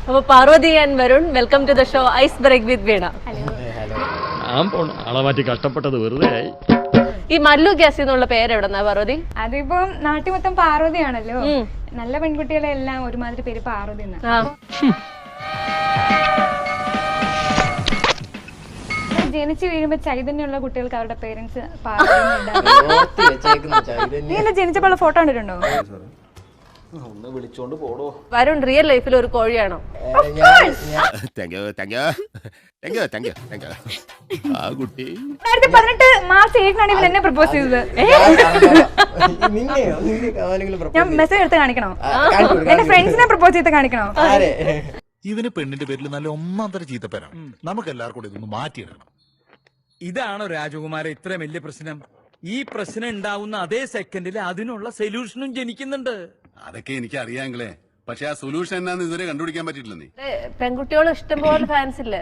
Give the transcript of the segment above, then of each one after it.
അപ്പൊ Parvathy and Varun, welcome to the show ice break with Veena. ആളെ മാറ്റി കഷ്ടപ്പെട്ടത് വെറുതെ ആയി. ഈ മല്ലു ഗ്യാസ് എന്നുള്ള പേര് എവിടെന്നാ പാർവതി? അതിപ്പം നാട്ടിൽ മൊത്തം പാർവതിയാണല്ലോ, നല്ല പെൺകുട്ടികളെ എല്ലാം ഒരുമാതിരി പേര് പാർവതി. ജനിച്ചു വീഴുമ്പോ ചൈതന്യമുള്ള കുട്ടികൾക്ക് അവരുടെ പേരൻസ് നീ എന്നെ ജനിച്ചപ്പോൾ ഫോട്ടോ കണ്ടിട്ടുണ്ടോ? വരുൺ റിയൽ ലൈഫിൽ ഒരു കോഴിയാണോ? മാർച്ച് 8 എന്നെ പ്രപ്പോസ് ചെയ്തത്. ഞാൻ മെസ്സേജ് എടുത്ത് കാണിക്കണോ? എന്റെ ഫ്രണ്ട്സിനെ പ്രപ്പോസ് ചെയ്ത് കാണിക്കണോ? ഇവന് പെണ്ണിന്റെ പേരിൽ നല്ല ഒന്നാന്തര ചീത്തപ്പേരാണ്. നമുക്ക് എല്ലാവർക്കും കൂടി ഇതൊന്ന് മാറ്റിയിടണം. ഇതാണോ രാജകുമാര ഇത്ര വലിയ പ്രശ്നം? ഈ പ്രശ്നം ഉണ്ടാവുന്ന അതേ സെക്കൻഡിൽ അതിനുള്ള സൊല്യൂഷനും ജനിക്കുന്നുണ്ട്. അതൊക്കെ എനിക്ക് അറിയാമെങ്കിലേ, പക്ഷെ ആ സൊല്യൂഷൻ എന്നാന്ന് ഇതുവരെ കണ്ടുപിടിക്കാൻ പറ്റിയിട്ടില്ലെന്നേ. പെൺകുട്ടികൾ ഇഷ്ടംപോലെ ഫാൻസ് ഇല്ലേ?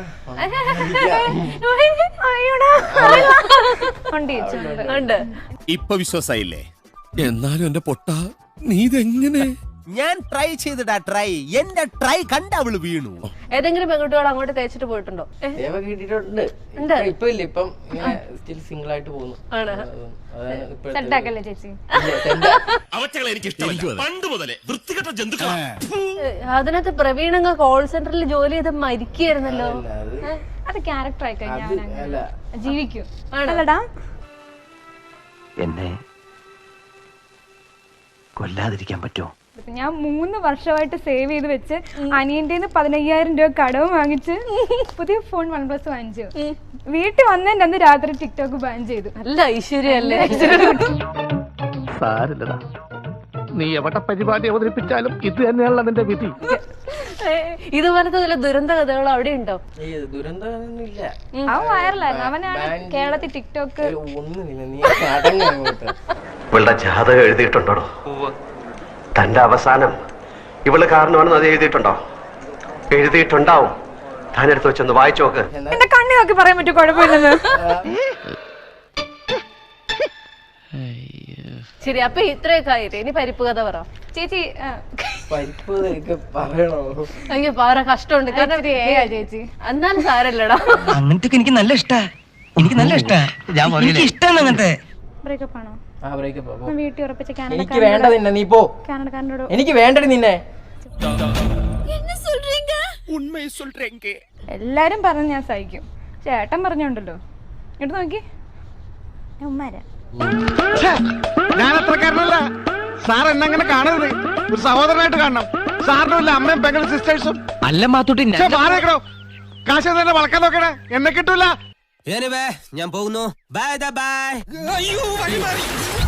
ഉണ്ട്. ഇപ്പൊ വിശ്വാസായില്ലേ? എന്നാലും എന്റെ പൊട്ട നീ ഇതെങ്ങനെ? ഞാൻ ട്രൈ ചെയ്തിടാ, എന്റെ ട്രൈ കണ്ട അവള് വീണു. ഏതെങ്കിലും പെൺകുട്ടികൾ അങ്ങോട്ട് തേച്ചിട്ട് പോയിട്ടുണ്ടോ? അതിനകത്ത് പ്രവീണങ്ങ് കോൾ സെന്ററിൽ ജോലി ചെയ്ത് മരിക്കുകയായിരുന്നല്ലോ. അത് ക്യാരക്ടർ ആയി കഴിഞ്ഞാൽ ജീവിക്കും. ആണല്ലടാ, എന്നെ കൊല്ലാതിരിക്കാൻ പറ്റുമോ? ഞാൻ 3 വർഷമായിട്ട് സേവ് ചെയ്ത് വെച്ച് അനിയന്റെ 15,000 രൂപ കടവും വാങ്ങിച്ച് പുതിയ ഫോൺ OnePlus വാങ്ങിച്ചു. വീട്ടിൽ വന്നതിന്റെ അന്ന് രാത്രി ടിക്ടോക്ക് ബാൻ ചെയ്തു. നല്ല ഐശ്വര്യല്ലേ? സാരില്ലടാ, നീ എവിടെ പരിപാടി അവതരിപ്പിച്ചാലും ഇത് തന്നെയാണല്ലോ നിന്റെ വിധി. ഇതുപോലത്തെ വല്ല ദുരന്ത കഥകൾ അവിടെ ഉണ്ടോ? അവൻ വൈറലായിരുന്നു. അവനാണ് കേരളത്തിൽ ടിക്ടോക്ക്. ഇവളുടെ ജാതകം എഴുതിയിട്ടുണ്ടോ? തന്റെ അവസാനം ഇവള് കാരണമാണെന്ന് അത് എഴുതിയിട്ടുണ്ടോ? എഴുതിയിട്ടുണ്ടാവും. താനെടുത്ത് വെച്ചൊന്ന് വായിച്ചു നോക്ക്. എന്റെ കണ്ണി നോക്കി പറയാൻ പറ്റും, കുഴപ്പമില്ലെന്ന്. ശരി, അപ്പൊ ഇത്രയൊക്കെ ആയിട്ട് ഇനി പരിപ്പ് കഥ പറ ചേച്ചി. അയ്യോ പറ, കഷ്ടമുണ്ട്. കാരണം ചേച്ചി എന്നാലും സാരല്ലടാ. അങ്ങനത്തെ എനിക്ക് നല്ല ഇഷ്ടാ. എനിക്ക് നല്ല ഇഷ്ടാ. എനിക്ക് ഇഷ്ടമാണ് അങ്ങനത്തെ. ബ്രേക്കപ്പ് ആണോ? വീട്ടിൽ ഉറപ്പിച്ച എനിക്ക് വേണ്ട നിന്നെ, നീ പോ. കാനഡക്കാരനോട് എനിക്ക് വേണ്ടടി നിന്നെ. എല്ലാരും പറഞ്ഞ് ഞാൻ സഹിക്കും. ചേട്ടൻ പറഞ്ഞോണ്ടല്ലോ, ഇങ്ങോട്ട് നോക്കി. ഉമ്മാരാ ഞാൻ അത്രക്കാരനല്ല സാർ. എന്നെ കാണരുത്, ഒരു സഹോദരനായിട്ട് കാണണം. സാറിനുമില്ല അമ്മയും പെങ്ങളും സിസ്റ്റേഴ്സും. അല്ല മാത്തൂട്ടി, മാറിക്കണോ? കാശ് തന്നെ വളക്കാൻ നോക്കണേ, എന്നെ കിട്ടൂല. ഞാൻ പോകുന്നു. Bye by.